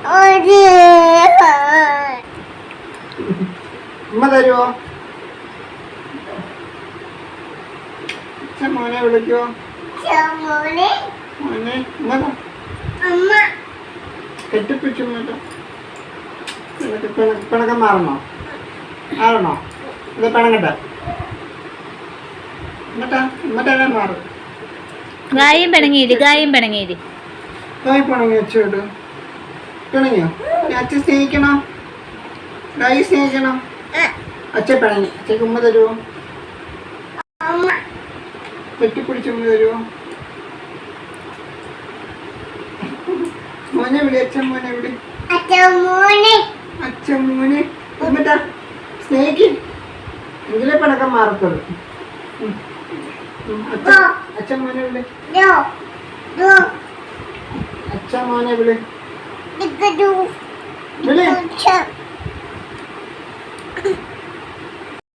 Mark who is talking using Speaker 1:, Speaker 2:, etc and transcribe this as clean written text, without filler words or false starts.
Speaker 1: ഉമ്മ തരുവോ? മോനെ വിളിക്കുവോ? മോനെ കെട്ടിപ്പിടിച്ചു. പിണക്കം മാറണോ? ഇത് പിണങ്ങട്ടെ. എന്നിട്ടാ മാറും.
Speaker 2: ഗായം പിണങ്ങിയിരി.
Speaker 1: കായ് പിണങ്ങി വെച്ചോട്ട് പിണങ്ങിയോ? അച്ഛൻ സ്നേഹിക്കണോ? ഗായി സ്നേഹിക്കണം. അച്ഛൻ പിണങ്ങി. അച്ഛക്ക് ഉമ്മ തരുമോ? കെട്ടിപ്പിടിച്ച് ഉമ്മ തരുമോ? മോനെ വിളി. അച്ഛൻ മോനെ വിളി. അച്ഛൻ മോനെ എന്നിട്ടാ സ്നേഹിക്ക്. എങ്കിലേ പിണക്കം മാറത്തുള്ളൂ. അച്ഛൻ മോനെ വിളി. അച്ഛൻ മോനെ വിളി. വിളി.